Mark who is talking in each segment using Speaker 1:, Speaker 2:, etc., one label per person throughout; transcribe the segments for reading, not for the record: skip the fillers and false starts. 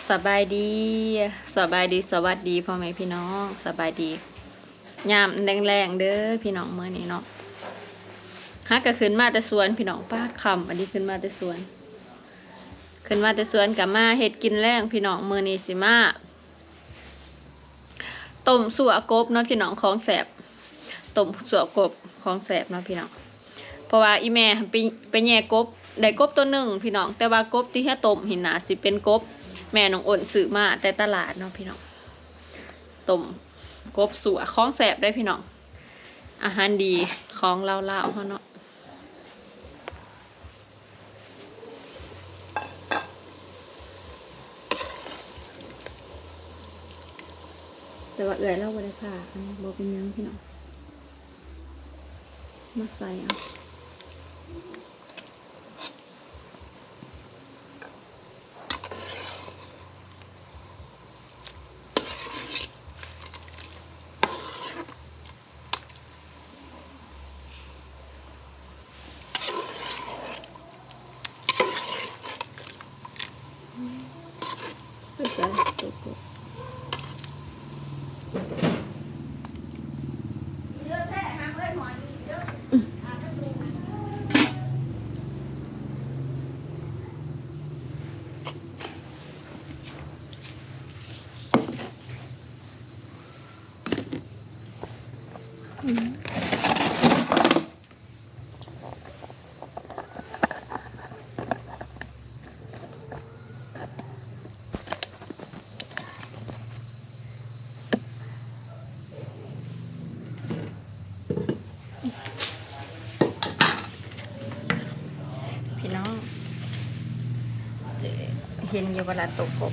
Speaker 1: สบายดีสบายดีสวัสดีพ่อแม่พี่น้องสบายดียามแรงๆเด้อพี่น้องเมื่อนี้เนาะฮักก็ขึ้นมาแต่สวนพี่น้องป้าคำอันนี้ขึ้นมาแต่สวนกับมาเฮ็ดกินแรงพี่น้องมื้อนี้สิมาต้มสั่วกบเนาะพี่น้องของแสบต้มสั่วกบของแสบเนาะพี่น้องเพราะว่าอีแม่ไปแย่กบได้กบตัวหนึ่งพี่น้องแต่ว่ากบที่แค่ต้มหินหนาสิเป็นกบแม่น้องอ่นซื้อมาแต่ตลาดเนาะพี่น้องต้มกบสั่วของแสบได้พี่น้องอาหารดีของเล่าๆเขาเนาะแต่ว่าเอื่อยเล่าบ่ได้ค่ะอันนี้บ่เป็นยังพี่น้องมาใส่เอาไปใส่ตัวกบพี่น้องเห็นอยู่เวลาตกกบ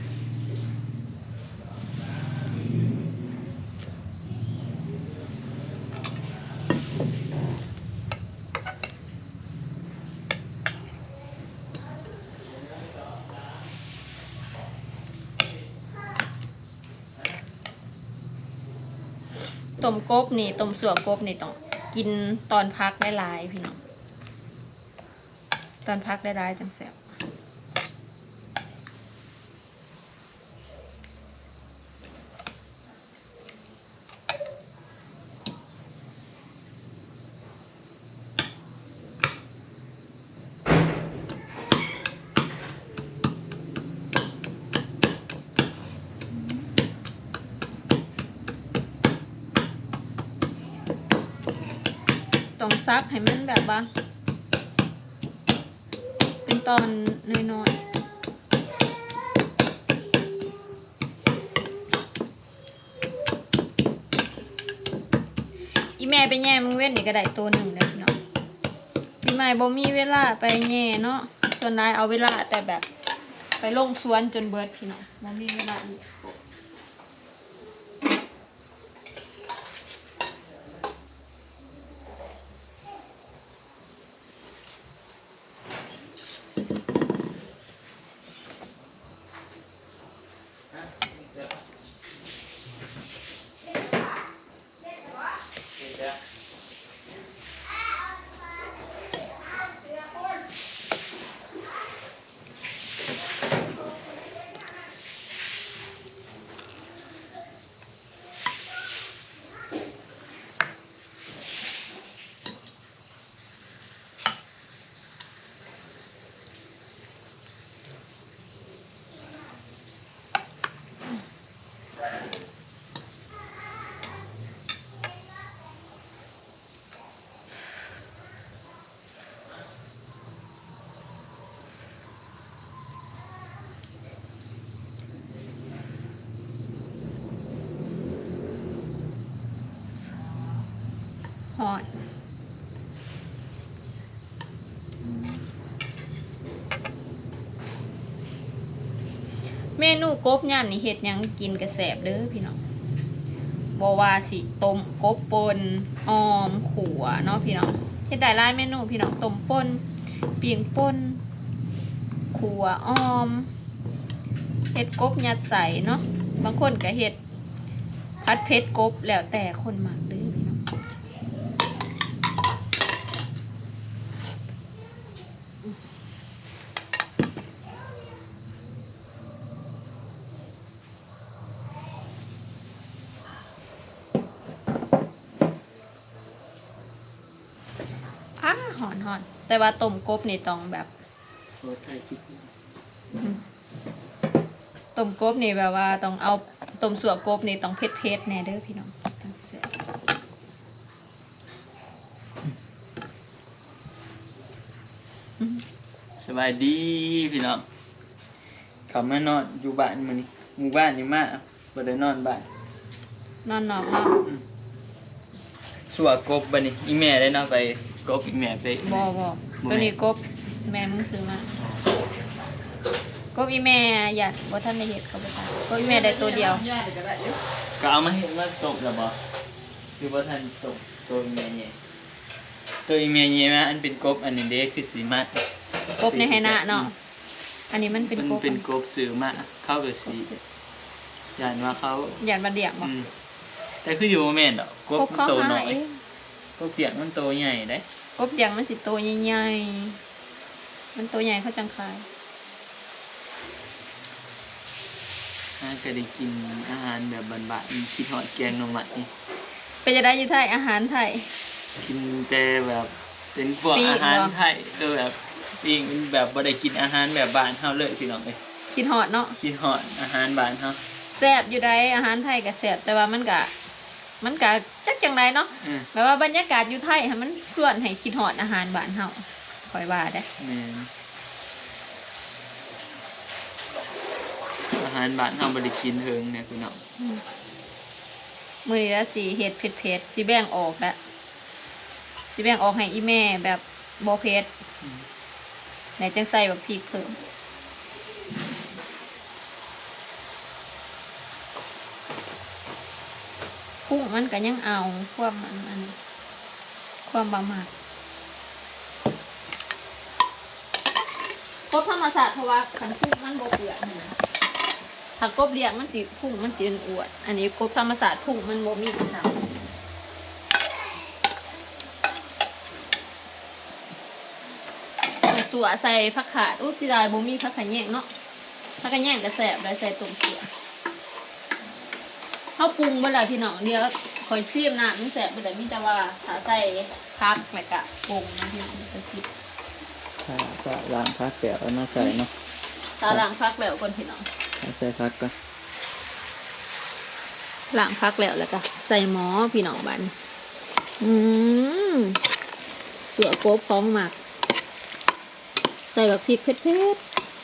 Speaker 1: ต้มกบนี่ต้มสั่วกบนี่ต้องกินตอนพักได้หลายพี่น้องตอนพักได้หลายจังแซ่บต้องซักให้มันแบบว่าเป็นตอนน้อยๆอีแม่ไปแย่มึงเว้นนี่ก็ได้ตัวหนึ่งเลยพี่น้องพี่ใหม่บ่มีเวลาไปแย่เนาะส่วนนายเอาเวลาแต่แบบไปลงสวนจนเบิดพี่น้องบ่มีเวลาอีกหอดเมนูกบย่านนี่เฮ็ดยังกินกระแสบเด้อพี่น้องบ่ว่าสิต้มกบป่นออมขัวเนาะพี่น้องเฮ็ดได้หลายเมนูพี่น้องต้มป่นปิ้งป่นขัวออมเฮ็ดกบยัดใส่เนาะบางคนก็เฮ็ดผัดเผ็ดกบแล้วแต่คนมักเด้อพี่น้อง หแต่ว่าต้มกบนี่ต้องแบบ
Speaker 2: โอ้ไทยคิด
Speaker 1: ต้มกบนี่แบบว่าต้องเอาต้มสัวกบนี่ต้องเผ็ดๆแน่เด้อพี่น้องต้องแซ่บ
Speaker 2: สบายดีพี่น้องเขามานอนอยู่บ้านมื้อนี้หมู่บ้านอยู่มาบ่ได้นอนบ้าน
Speaker 1: นอนนอกเนาะ
Speaker 2: สัวกบบัดนี้อีแม่ได้นอนไปกบอีแม่ไป
Speaker 1: บ่ตัวนี้กบแม่มึงซื้อมากบอีแม่อยากบ่ทันได้เฮ็ดเขาบ่ทันกบอีแม่ได้ตัวเดียว
Speaker 2: ก็เอามาเฮ็ดมาตกแล้วบ่คือบ่ทันตกตัวอีแม่เนี่ยตัวอีแม่เนี่ยมาอันเป็นกบอันนี้เด้คือสีมาก
Speaker 1: บในไหหน้าเนาะอันนี้มันเป็นกบ
Speaker 2: เป็นกบซื้อมาเข้ากับสีย่านว่าเขา
Speaker 1: หยาดมาเดียกบ่
Speaker 2: แต่คืออยู่บ่แม่นดอกกบ
Speaker 1: กบ
Speaker 2: มัน
Speaker 1: เขา
Speaker 2: โต
Speaker 1: หา
Speaker 2: น้อย
Speaker 1: เอง
Speaker 2: กบเปียกมันโตใหญ่เด้
Speaker 1: กบเดียงมันสิตัวใหญ่ๆมันตัวใหญ่เขาจังขาย
Speaker 2: น่าจะได้กินอาหารแบบบ้านๆคิดฮอดแกงหน่อไม้
Speaker 1: เป็นจะได้อยู่ไทยอาหารไทย
Speaker 2: กินแต่แบบเป็นพวก
Speaker 1: ปิ้ง
Speaker 2: อาหาร
Speaker 1: เหรอ
Speaker 2: ไทยแบบปิ้งแบบบ่ได้กินอาหารแบบบ้านเฮาเลยพี่น้องเอ้ย
Speaker 1: คิดฮอดเนาะ
Speaker 2: คิดฮอดอาหารบ้านเฮา
Speaker 1: แซ่บอยู่ได้อาหารไทยก็แซ่บแต่ว่ามันก็จักจังไดเนาะ
Speaker 2: อืม
Speaker 1: แบบว่าบรรยากาศอยู่ไทยให้มันส่วนให้คิดฮอดอาหารบ้านเฮาคอยว่าได้
Speaker 2: แม่นอาหารบ้านเฮาบ่ได้กินเทิงเนี่ยพี่น้อง
Speaker 1: มื้อนี้ละสิเฮ็ดเผ็ดๆสิแบ่งออกละสิแบ่งออกให้อีแม่แบบบ่เผ็ดไหนจังใส่แบบพริกเพิ่มกุ้งมันก็ยังเอาความมันความบะหมักกบธรรมศาสตร์เพราะว่าขันกุ้งมันบ่เปื่อยนะถ้ากบเลี้ยงมันสิพุ่งมันสิอวดอันนี้กบธรรมศาสตร์พุ่งมันบ่มีค่ะสัวใส่ผักขาดอู้สิได้บ่มีผักขะแยงเนาะผักขะแยงก็แซ่บได้ใส่ต้มเกลือเฮาปรุงบ่ได้พี่น้องเดียวคอยซีมน้ำมันแซ่บบ่ได้มีแต่ว่าถ้าใส่ผักแล้วก็ปรุงนะพี่น้องก็สิ
Speaker 2: ก็ล้างผักแกะเอามาใส่เนาะ
Speaker 1: ถ้าล้างผักแล้วก่อนพี่น้อง
Speaker 2: เอาใส่ผักก่อน
Speaker 1: ล้างผักแล้วก็ใส่หม้อพี่น้องบัดนี้สัวกบของหมักใส่แบบพริกเผ็ด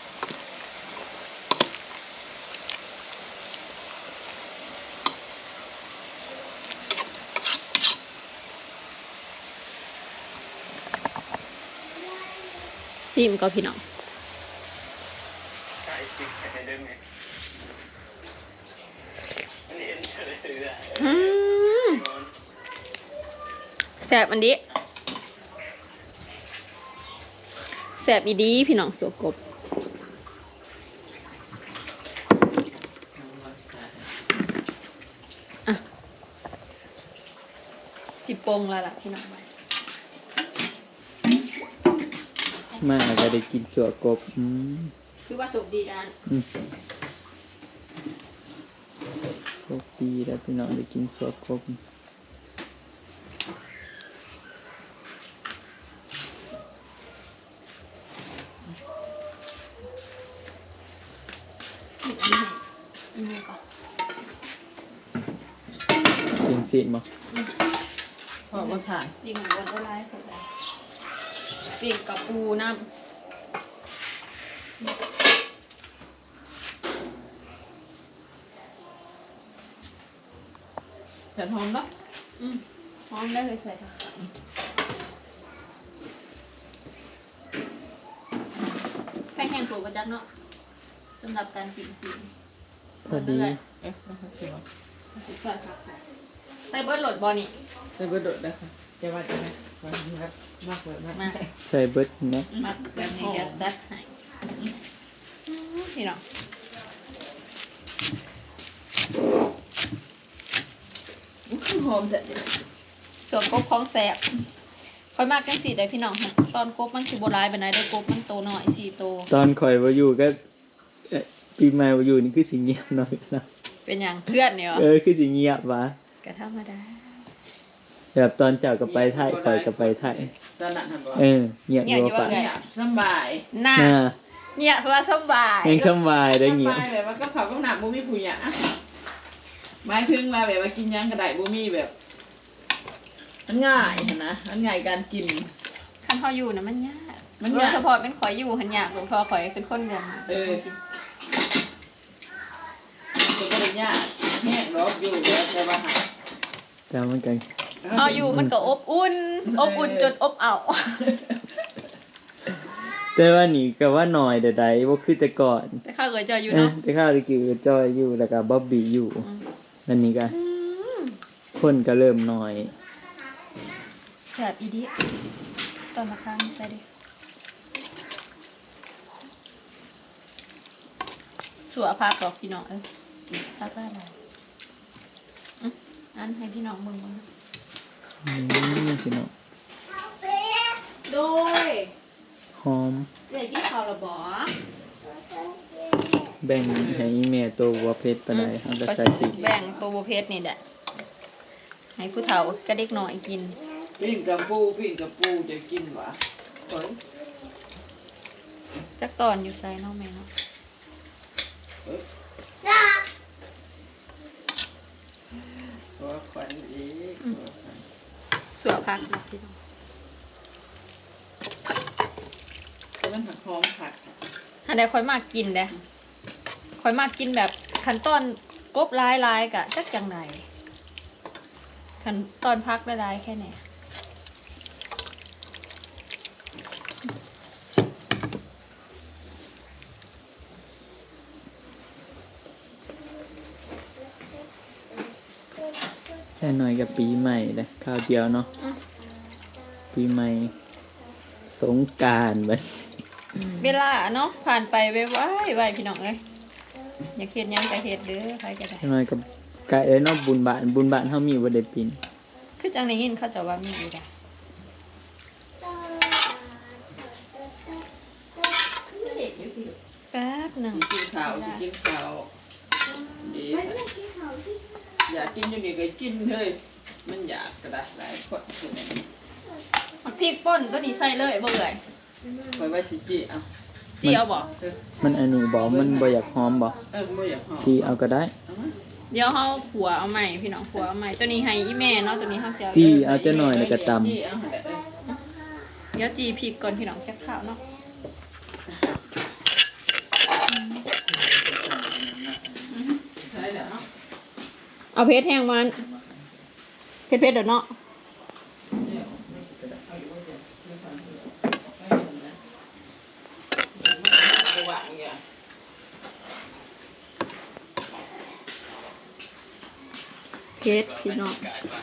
Speaker 1: ๆซิมก็พี่น้องแสบอันนี้แสบอีดีพี่น้องสัวกบอ่ะสิปงแล้วล่ะพี่น้อง
Speaker 2: มาก็ได้กินสัวกบ
Speaker 1: คือว่าสุกดีด้าน
Speaker 2: โชคดีแล้วพี่น้องได้กินสัวกบกินสิมั้ง
Speaker 3: พอมาถ่าย
Speaker 1: ปีกหมูวันก็ไล่สุดเลยปีกกับปูน้ำ
Speaker 3: แผ่นหอมเนาะ
Speaker 1: พร้อมได้เลยใส่ค่ะแค่แห้งปูประจักเนาะสำหรับการกินสี
Speaker 2: พอดี
Speaker 3: เอ๊ะน้องเสียว
Speaker 1: ใส่ค่ะใส่เบิร์ดโหลดบอนี่
Speaker 3: ใส่เบอร์โดดได้ค่ะจะว่าจะไหมว่าครับมากเลยมาก
Speaker 1: มา
Speaker 2: ใส่เบิดเนาะ
Speaker 1: มาแบบนี้จะจัดให้พี่น้อง
Speaker 3: หอมแต่
Speaker 1: ส่วนกบของแสบค่อยมากกันสีได้พี่น้องค่ะตอนกบมันคือโบราณแบบไหนได้กบมันโตหน่อย4 โต
Speaker 2: ตอนข่อยมาอยู่ก็ปีใหม่มาอยู่นี่คือสิเงียบหน่อยนะ
Speaker 1: เป็นอย่างเพื่อนเนี่ย
Speaker 2: คือสิเงียบวะ
Speaker 1: กระธรรมดา
Speaker 2: แบบตอนเจ้ากับไปไทยข่อยกับไปไทย
Speaker 3: ตตอนนั้นทำบ่
Speaker 2: เงียบอยู่ปะ
Speaker 3: เนี่ยสบาย
Speaker 1: น่าเนี่ยเพราะว่าสบาย
Speaker 2: ยังสบายได้เงียบ
Speaker 3: สบายแบบว่าก็เขาก็หนักบ่มีผู้หญิงหมายถึงว่าแบบว่ากินยังกระไดบ่มีแบบมันง่ายนะมันง่ายการกิน
Speaker 1: คันพออยู่นะมันยาก
Speaker 3: มัน
Speaker 1: โด
Speaker 3: ยาย ก
Speaker 1: เฉพาะเป็นข่อยอยู่หันยากหลวงพ่อข่อยเป็นคนเมือง
Speaker 3: ตัวก็เลยยากแห้งรอบอยู่แล้วแต่ว่าหา
Speaker 2: แต่มันกัน
Speaker 1: เอาอยู่มันก็อบอุ่นจนอบเอา
Speaker 2: แต่ว่านี่ก็ว่าหน่อยเดี๋ยวใดว่าคือแต่ก่อน
Speaker 1: แต่ข้าวเอ๋ยจอยอยู่เนาะ
Speaker 2: แต่ข้าวตะกี้ก็จอยอยู่แล้วก็บ๊อบบี้อยู่อันนี้ก็คนก็เริ่มหน่อย
Speaker 1: แบบอีดิตอนมาค้างใส่ดิสัวพักหรอกพี่น้องพักได้อะไรอันให้พี่น้องมึง
Speaker 2: พี่น้อง
Speaker 1: โดย
Speaker 2: หอม
Speaker 1: เด็กที่เขาระบอ
Speaker 2: แบ่งให้แม่ตัววัวเพชรไปได้เอาไปใส่ติ
Speaker 1: แบ่งตัวโบเพสนี่แหละให้ผู้เฒ่ากระเด็กหน่อยกิน
Speaker 3: ปิ้งกับปูจะกินหวะเฮ้ย
Speaker 1: จักตอนอยู่ใส่เนาะแม่เนาะ
Speaker 3: ตัวขวัญอีก
Speaker 1: สัวพักนะพี่น้อง
Speaker 3: ตัวมันหักหอมผัก
Speaker 1: อันใดค่อยมากกินเด้ค่อยมากกินแบบขั้นตอนกบลายกะจักจังไหนขั้นตอนพักลายแค่ไหน
Speaker 2: แค่หน่อยกับปีใหม่เลยข้าวเดียวเนาะปีใหม่สงกรานต์ไป
Speaker 1: เวลาเนาะผ่านไปไวพี่น้องเอ้ยอย่าเครียดยังกะเฮ็ดเด้อใครก็ได้
Speaker 2: แค่หน่อยกับไก่เนาะบุญบานเฮามีบ่ได้ปีน
Speaker 1: คือจังได้ยินเขาจะว่ามีอยู่ได้แป๊บหนึ่ง
Speaker 3: กินข้าวกินข้าวดีอยากกินอยู่นี่ก็กินเลยมันอยากกระดาษหลายคน
Speaker 1: มักพริกป่นตัวนี้ใส่เลยบ่เอ่ย
Speaker 3: คอยไว้สิจีเอา
Speaker 1: จีเอาบ่
Speaker 2: มันอันนี้บ่มันบ่อยากหอมบ่
Speaker 3: ไม่อยากหอม
Speaker 2: จีเอาก็ได้
Speaker 1: เดี๋ยวเฮาขัวเอาใหม่พี่น้องขัวเอาใหม่ตัวนี้ให้อีแม่เนาะตัวนี้เฮาสิเอา
Speaker 2: จีเอาจะหน่อยแล้วก็ตำ
Speaker 3: จีเอาแหละ
Speaker 1: เดี๋ยวจีพริกก่อนพี่น้องแค่ข้าวเนาะเอาเพชรแห้งมันเพชรเดี๋ยวเนาะเพชรพี่น้อง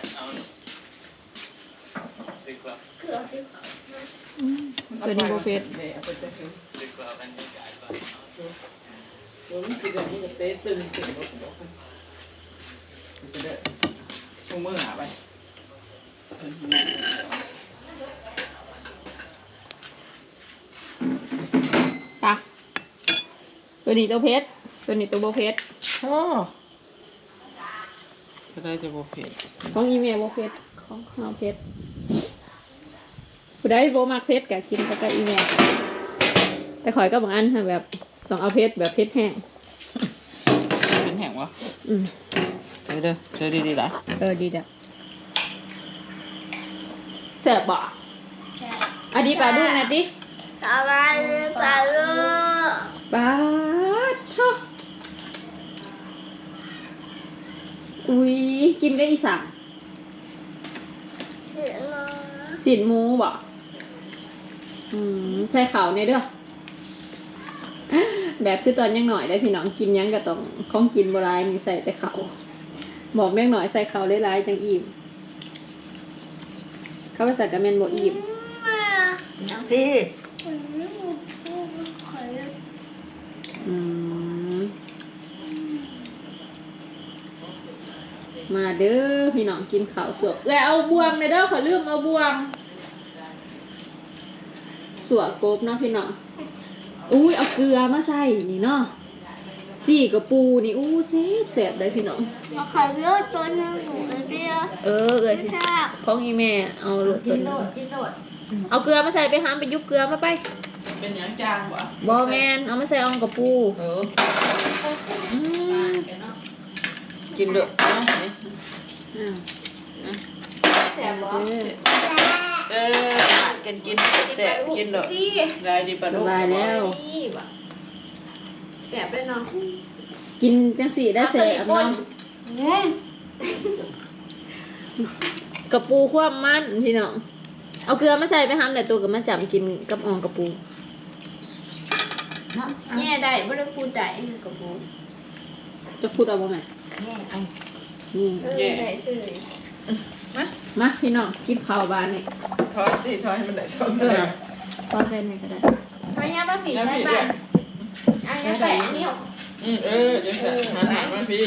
Speaker 1: ตัวนี้โบเพชร
Speaker 3: ผมกินแบบนี้จะเต้ตึงตึงจะได้พวกมือหาไป
Speaker 1: ตาตัวนี้ตัวเพชรตัวนี้ตัวโบเพชร
Speaker 3: โอ้ก็ได้จะโบเผ็ด
Speaker 1: ของอีเมลโบเพชรของเราเพชรผู้ใดโบมากเพชรกะกินกับอีเมลแต่ข่อยก็บางอันแบบต้องเอาเพชรแบบเพชรแห้ง
Speaker 3: เป็นแห้งวะ
Speaker 1: อืม
Speaker 3: เด้อดีๆหลาย
Speaker 1: ดีจ้ะแซ่บบ่อันนี้ปลาดุกนะดิ
Speaker 4: สบายดีป่าลูก
Speaker 1: ปลาชอบอุ้ยกินได้อีสาน
Speaker 4: เสียงน้อง
Speaker 1: สินหมูบ่ใช่เขาเนี่ยเด้อแบบคือตอนยังหน่อยได้พี่น้องกินยังก็ต้องของกินโบราณนี่ใส่แต่เขาบอกแม่งหน่อยใส่เขาหลายๆจังอิ่มเขาไปใส่กระเมนโบอิ่ม
Speaker 4: พี่
Speaker 1: มาเด้อพี่น้องกินข้าวสวกเอาบวงเลยเด้อขอลืมเอาบวงสวกกบเนาะพี่น้องอุ้ยเอาเกลือมาใส่นี่เนาะจี้กับปูนี่อู้แซ่บได้พี่น้อง
Speaker 4: มาขายเยอะตัวนึงหนูเลยเบี้ย
Speaker 1: เอ้ยสิ
Speaker 4: ค่ะ
Speaker 1: ของอีแม่เอาโหลด
Speaker 4: กิ
Speaker 1: ตัวน
Speaker 4: โหล
Speaker 1: นี้
Speaker 4: ดกินโหลด
Speaker 1: เอาเกลือมาใส่ไปห้ามไปยุบเกลือมาไป
Speaker 3: เป็นหยังจางบ่
Speaker 1: บอแมนเอามาใส่อองกับปู
Speaker 3: เออ
Speaker 1: อืม
Speaker 3: กินเด้อเนาะนี่
Speaker 4: แสบบ่
Speaker 3: เออกินแซ่บกินเด้อได้ดีปะ
Speaker 1: ส
Speaker 3: ลูก
Speaker 1: บายแล้ว
Speaker 4: นี่บ่แสบเลยเนาะ
Speaker 1: กินจังสีได้เสร็จเนาะ
Speaker 4: อืม
Speaker 1: กับปูความมันพี่น้องเอาเกลือมาใส่ไปห้ามแต่ตัวกับมาจับกินกับอองกับปู
Speaker 4: แย่ได้บ่ได้พูดได้กับปู
Speaker 1: จะพูดเอาบ่แม่
Speaker 4: แย่เอา
Speaker 1: นี่
Speaker 4: ได้ซื่อ
Speaker 1: มาพี่น้องกินข้าวบานนี่
Speaker 3: ถอยสิถอยให้มันได้ช่อง
Speaker 1: เอ
Speaker 3: เล
Speaker 1: อย ตอนเป็นไงก็ได้
Speaker 4: พยายามมาผิดได้บ้างอันนี้ใส่อันนี้
Speaker 3: เออจังซั่นหันหน้ามาพี่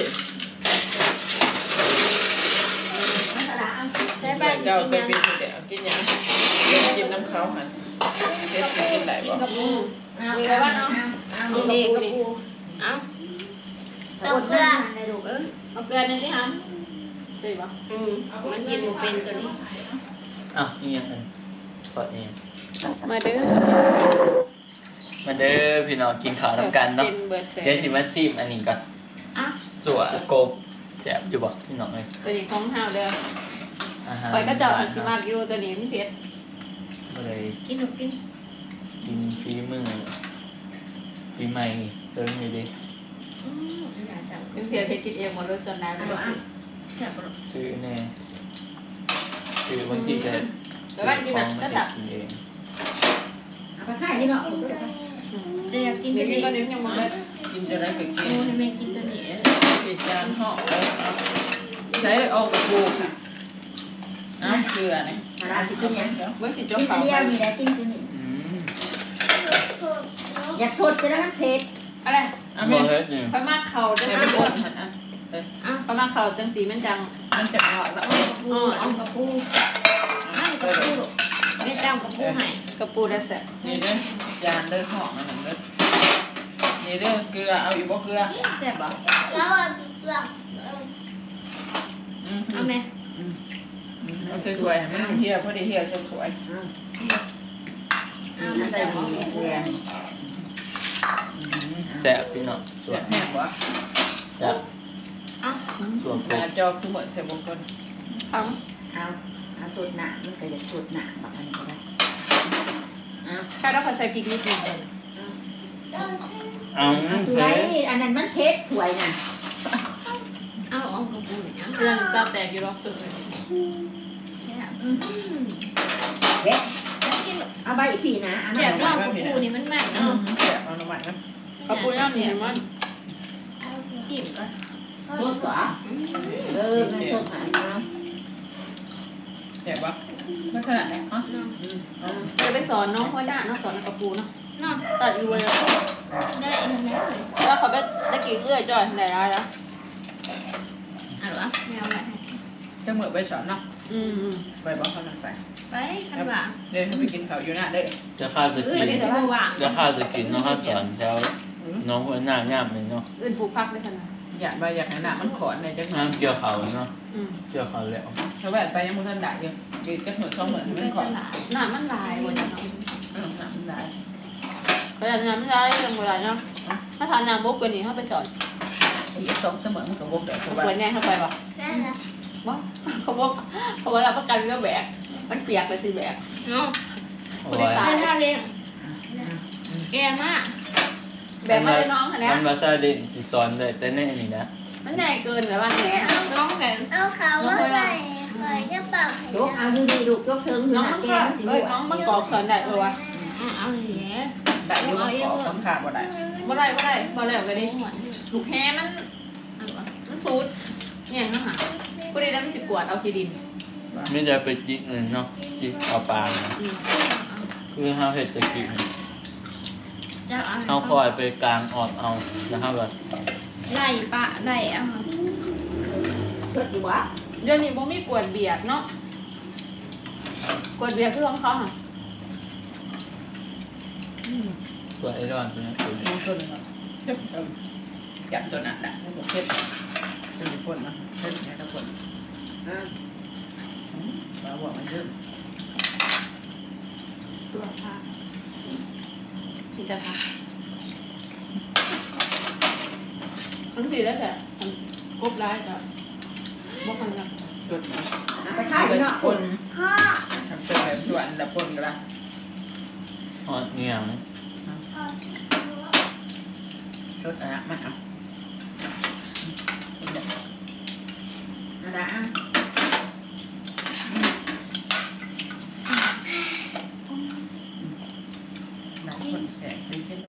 Speaker 4: ได้บ้าง
Speaker 3: เจ้า
Speaker 4: กิน
Speaker 3: ไป
Speaker 4: ยัง
Speaker 3: เป็นแต่กินหยังกินน้ำเขาหั่นเฮ็ดกินได้บ่
Speaker 4: กับปูเอาไปบ้านเอาเอาเด็กกับปูเอาต้องเกลือได้ลูก
Speaker 1: เอาเกลือนี่สิฮัมได้ปะ
Speaker 4: มันกินบ่เป็นตัวนี้
Speaker 2: อ้าวนี่ยังไงถอดเอง
Speaker 1: มาเด้อ
Speaker 2: มาเด้อพี่น้องกินข้าวน้ำกันเนาะ
Speaker 1: กินเบิร์ดเสร็จ
Speaker 2: เดี๋ยวสิมาซิมอันนี้ก่อน
Speaker 1: อ่ะ
Speaker 2: สัวกบแซ่บอยู่บ่พี่น้องเอ้ย
Speaker 1: ตัวนี้ของเฮาเด้อ
Speaker 2: อาหาร
Speaker 1: ไปก็เจาะสิมากอยู่ตัวนี้มันเผ็ด
Speaker 2: ก็เลย
Speaker 4: กินหนูกิน
Speaker 2: กินฝีมือฝีใหม่เติมอยู่ดิ
Speaker 4: อย่าจับ
Speaker 1: ยังเผ็ดเผ็ดกินเองหมดเลยส่วนน้ำไม่ต้องกิน
Speaker 4: จับ
Speaker 2: ซื้อแน่ซื้อบางทีจะ
Speaker 1: แต่ว่ากินแบบ
Speaker 2: ซื้อของ
Speaker 1: ระ
Speaker 2: มา
Speaker 1: ดับ
Speaker 2: กินเอง
Speaker 5: เอาไปขายที่เนาะ
Speaker 4: เดี๋ยวกิน
Speaker 1: เดี๋
Speaker 4: ตั
Speaker 1: ยว ว
Speaker 4: นี้
Speaker 1: กินตอนนี้ยังหมดเลย
Speaker 3: กินจะได้ก็กิน
Speaker 4: โอ้ยแม่กินตัวนี้
Speaker 3: ปิดจานห่อเลยใช้ออกกับปูค่ะน้ำเกลือนี่
Speaker 5: มาลาสิกินยัง
Speaker 1: เมื่อสิ
Speaker 5: กิ
Speaker 1: จ้าน เขา
Speaker 5: เดียวมีแต่กินตัวนี้
Speaker 2: อืม
Speaker 5: อยากสดจะได้มันเผ็ด
Speaker 1: อะไร
Speaker 3: อ่ะ
Speaker 2: บ่
Speaker 3: แม่
Speaker 2: เฮ็ดนี่
Speaker 1: พม่าเขาจัง
Speaker 3: ใช้
Speaker 1: สี
Speaker 3: ไปก่อนหันอ่ะ
Speaker 1: พม่าเขาจังสีมันจัง
Speaker 3: มันจะอร่อยแล้ว
Speaker 4: ปูเอากับปูนั่งกับปูไม่จ้ำกับปูให้
Speaker 1: กระปูได้แซ่บ
Speaker 3: นี่เด้อยานเด้อห่อนั่นเด้อนี่เด้อเกลือเอาอีกบ่เกลือ
Speaker 4: แซ่บบ่แล้วอ่ะพี่เกลือ เอาไหม
Speaker 3: เอาใส่ถ้วยให้มันเฮียพอดีเฮียใส่ถ้วย
Speaker 4: เอา
Speaker 5: มั
Speaker 4: มาน
Speaker 5: ใส่
Speaker 4: ใส่
Speaker 5: หมูเกลือ
Speaker 2: แซ่บพี่น้องสว
Speaker 3: แซ่
Speaker 2: ย
Speaker 3: บแห้งวะ
Speaker 2: แซ่บ
Speaker 4: เอา
Speaker 2: สวก
Speaker 3: ห
Speaker 2: บ
Speaker 3: น้าจอคือเหมือนใส่บงกล
Speaker 1: เอา
Speaker 5: เอาสดหนามันก็อยากสดหนาแบบนี้ก็ได้เอา
Speaker 1: ถ้าเราใส่พริกนิดนึง
Speaker 2: เอา
Speaker 5: เอาตัว
Speaker 2: เฮ้
Speaker 5: ไร
Speaker 2: ย
Speaker 5: อันนั้นมันเผ็ดสวยน่ะ
Speaker 4: เอากับปูเนี่ย
Speaker 1: เพื่อนตาแตกอยู่รอบสุดเลย
Speaker 5: เผ็ดเอาใบผีนะเอา
Speaker 4: แซ่บรอบกับปูนี่มันมันเนาะ
Speaker 3: แซ่บเอาหน่อไม้นะ
Speaker 1: กระปูย่างนี่มัน
Speaker 4: จิ้มก่อน
Speaker 5: สดกว่ามันสดหนาเนาะ
Speaker 3: แซ่บวะไม่ขนาดนี้อ๋อ
Speaker 1: จะไปสอนน้องพ่อหน้าน้องสอนกระปูเนาะ
Speaker 4: เนาะ
Speaker 1: ตัดอยู่เลย
Speaker 4: ได้แล้ว
Speaker 1: แล้วเขาไปได้กี่เอื้อยจ่อยไหนได้แล้ว
Speaker 4: เอาหรอไม่เอาไป
Speaker 3: จะเหมือนใบสอนเนาะ
Speaker 1: อืม
Speaker 3: ใบบอกเขาหนักใส่
Speaker 4: ไปขันว่า
Speaker 3: เดี๋ยวให้ไปกินข้าวอยู่หน้าเด้อ
Speaker 2: จะข้าวจะกิน
Speaker 4: ไม่ได้ใส่หวาน
Speaker 2: จะข้าวจะกินน้องข้าวสอนแถวน้องคนหน้าง่ามเลยเนาะ
Speaker 1: อื่นปลูกพักได้ขนาด
Speaker 3: อยากใบอยากให้หน้ามันขอนในจังหวะ
Speaker 2: น้ำเกี่ยวเขาเนาะ
Speaker 1: อืม
Speaker 2: เกี่ยวเขาแล้ว
Speaker 3: ชาวบ้านไปยังมุทันได้ยังกินจักเหมือน2 เหมือนมันขอน
Speaker 1: หน้ามันลายหมดเนาะ
Speaker 3: หน้ามันได้
Speaker 1: เขาอยากน้ำลายเรื่องโบราณเนาะถ้าทานน้ำบกกว่านี้เขาไปสอน
Speaker 3: อีก2 เสมอมันก็บ่ได้ชาวบ้า
Speaker 1: สวน
Speaker 3: น
Speaker 1: แน่เข้าไปปะ
Speaker 4: ได้แล้ว
Speaker 1: บ่เขาบอกเขาบอกรับประกันเรื่องแบกมันเปียกเลยสิแบก
Speaker 4: เนาะ
Speaker 2: โอ้
Speaker 1: ไม่ได้
Speaker 2: ย
Speaker 1: ตาย
Speaker 4: ท่าเลี้ยงแกมาก
Speaker 1: แบกมาเลยน้องค่ะแล้ว
Speaker 2: มันมาซาเด่นสิสอนได้แต่แน่นี่นะ
Speaker 1: มันใหญ่เกินหรือว่าเนี่ยน้องไง
Speaker 4: เอาขาวมาใส่ใส่กระเป๋าย
Speaker 5: กเอาดูดีลูกยกถึง
Speaker 1: น้อง
Speaker 5: หน้า
Speaker 1: มัน
Speaker 5: แก
Speaker 1: ก็
Speaker 5: มันสิ
Speaker 1: เอ้ยน้องมันก่อเขินได้ปะวะ
Speaker 4: เอาอย่างเงี้ย
Speaker 3: ได้อยู่มันขอคำขาดบ่ได้
Speaker 1: บ่ได้บ่ได้บ่แล้วก็ดิลูกแฮมัน
Speaker 4: เอาวะ
Speaker 1: มันซูดเนี่ยนะฮะพอดีแล้วมันจะกวดเอาขี้ดิน
Speaker 2: ไม่ได้ไปจิกเลยเนาะจิกเอาปลาเนาะคือห้าเห็ดตะกี้
Speaker 4: จะเอา
Speaker 2: เอาคอยไปกลางออดเอานะครับแบบ
Speaker 4: ไล่ปะไล่เอา
Speaker 5: สดอยู่วะ
Speaker 1: เดี๋ยวนี้บ่มีกวดเบียดเนาะกวดเบียดคือของเขาค่ะ
Speaker 2: ตัวไอรอนตัวนี้ตัวนี้
Speaker 3: มันต้นเนาะเจ็บจับตัวนั้นน่ะมันบ่เผ็ดเป็นคนนะเผ็ดแค่ตะคนบ่บอกมันเยอะ
Speaker 1: ตัวผักที่จะผักทั้งสี่แล้วแต่กบร้ายกับบกมันกับ
Speaker 3: สุดนะ
Speaker 5: ไปค่ายเนาะ
Speaker 3: คน
Speaker 4: พ่อ
Speaker 3: ทำเป็นแบบส่วนละคนก็ได้
Speaker 2: อ๋อเนียง
Speaker 3: สุดนะมาเอา